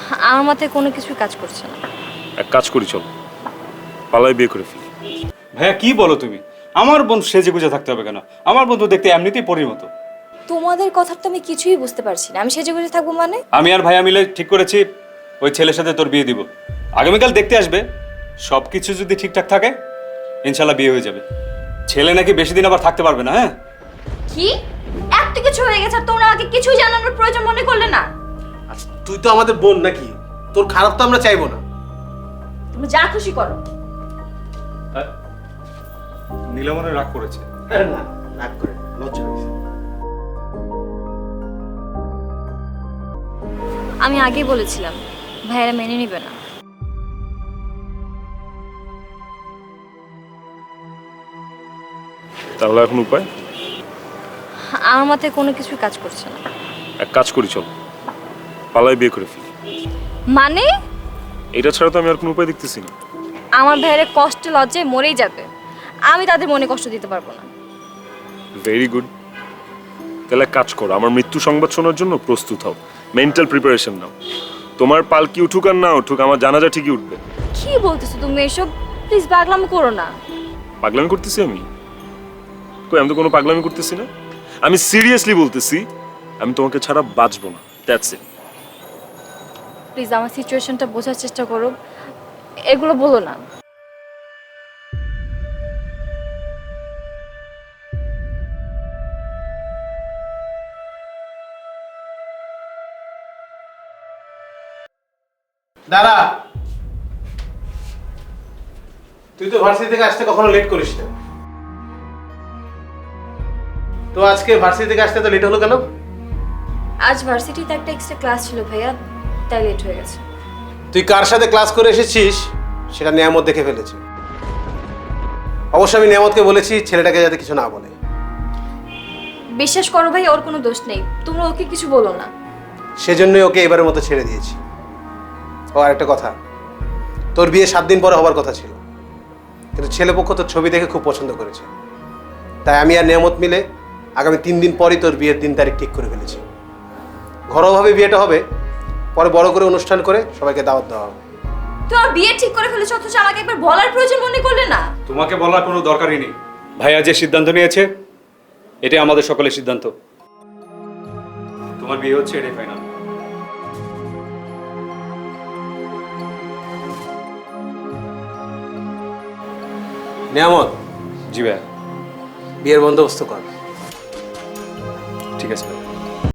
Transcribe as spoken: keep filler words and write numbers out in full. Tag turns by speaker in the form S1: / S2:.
S1: আমার মাথায় কোনো কিছুই কাজ করছে না।
S2: এক কাজ করি, চল পালাই বিয়ে করে ফেলি।
S3: ভাইয়া কি বলো তুমি? আমার বন্ধু সেজে গুজে থাকতে হবে কেন? আমার বন্ধু দেখতে এমনিতেই পরির মতো।
S1: তোমাদের কথা তো আমি কিছুই বুঝতে পারছি না। আমি সেজে গুজে থাকবো মানে?
S3: আমি আর ভাইয়া মিলে ঠিক করেছি ওই ছেলের সাথে তোর বিয়ে দিব। আগামীকাল দেখতে আসবে, সব কিছু যদি ঠিকঠাক থাকে ইনশাল্লাহ বিয়ে হয়ে যাবে। ছেলে নাকি বেশি দিন আবার থাকতে পারবে না। হ্যাঁ
S1: কি এত কিছু হয়ে গেছে আর তোমরা আমাকে কিছুই জানানোর প্রয়োজন মনে করলে না?
S4: আচ্ছা তুই তো আমাদের বোন নাকি, তোর খারাপ তো আমরা চাইবো না।
S1: তুমি যা খুশি করো।
S3: নীলমনে রাগ করেছে।
S4: আরে না, রাগ করে লজ্জা হয়েছে।
S1: আমি আগেই বলেছিলাম ভাইয়েরা মেনে নিবে না।
S2: তাহলে এখন উপায়?
S1: আমার মাথায় কোনো কিছুই কাজ করছে না।
S2: এক কাজ করি, চল পালাই বিয়ে করে ফেলি।
S1: মানে?
S2: এটা ছাড়া তো আমি আর কোনো উপায় দেখতেছি না।
S1: আমার ভাইয়েরা কষ্টে লজ্জায় মরেই যাবে, আমি তাদের মনে কষ্ট দিতে পারবো না।
S2: Very good. তাহলে এক কাজ করো, আমার মৃত্যু সংবাদ শোনার জন্য প্রস্তুত হও, মেন্টাল প্রিপারেশন নাও। তোমার পালকি উঠুক আর না উঠুক, আমার জানাজা ঠিকই উঠবে।
S1: কি বলতেছো তুমি এসব? প্লিজ পাগলামি করো না।
S2: পাগলামি করতেছি আমি? কই, আমি তো কোনো পাগলামি করতেছি না। আমি সিরিয়াসলি বলতেছি, আমি তোমাকে ছাড়া বাঁচবো না। That's it.
S1: প্লিজ আমার সিচুয়েশনটা বোঝার চেষ্টা করো, এগুলো বলো না।
S4: দাদা, তুই তো ভার্সিটি থেকে আসতে কখনো লেট করিস না, তো আজকে ভার্সিটি থেকে আসতে তো লেট হলো কেন?
S1: আজ ভার্সিটিতে একটা এক্সট্রা ক্লাস ছিল ভাইয়া, তাই লেট হয়ে গেছে।
S4: তুই কার সাথে ক্লাস করে এসেছিস সেটা নিয়ামত দেখে ফেলেছে। অবশ্য আমি নিয়ামতকে বলেছি ছেলেটাকে যাতে কিছু না বলে।
S1: বিশ্বাস করো ভাই, ওর কোনো দোষ নেই, তোমরা ওকে কিছু বলো না।
S4: সেজন্যই ওকে এবারের মতো ছেড়ে দিয়েছি। ও আরেকটা কথা, তোর বিয়ে সাত দিন পরে হবার কথা ছিল, কিন্তু ছেলেপক্ষ তোর ছবি দেখে খুব পছন্দ করেছে, তাই আমি আর নিয়ামত মিলে আগামী তিন দিন পরই তোর বিয়ের দিন তারিখ ঠিক করে ফেলেছি। ঘরোয়াভাবে বিয়েটা হবে, পরে বড় করে অনুষ্ঠান করে সবাইকে দাওয়াত দেওয়া হবে।
S1: তোমার বিয়ে ঠিক করে ফেলেছো অথচ আমাকে একবার বলার প্রয়োজন মনে করলে না?
S3: তোমাকে বলার কোনো দরকারই নেই। ভাইয়া যে সিদ্ধান্ত নিয়েছে এটাই আমাদের সকলের সিদ্ধান্ত। তোমার বিয়ে হচ্ছে, এটাই ফাইনাল।
S4: নিয়ামত,
S3: জি ভাইয়া,
S4: বিয়ের বন্দোবস্ত কর।
S3: ঠিক আছে ভাই।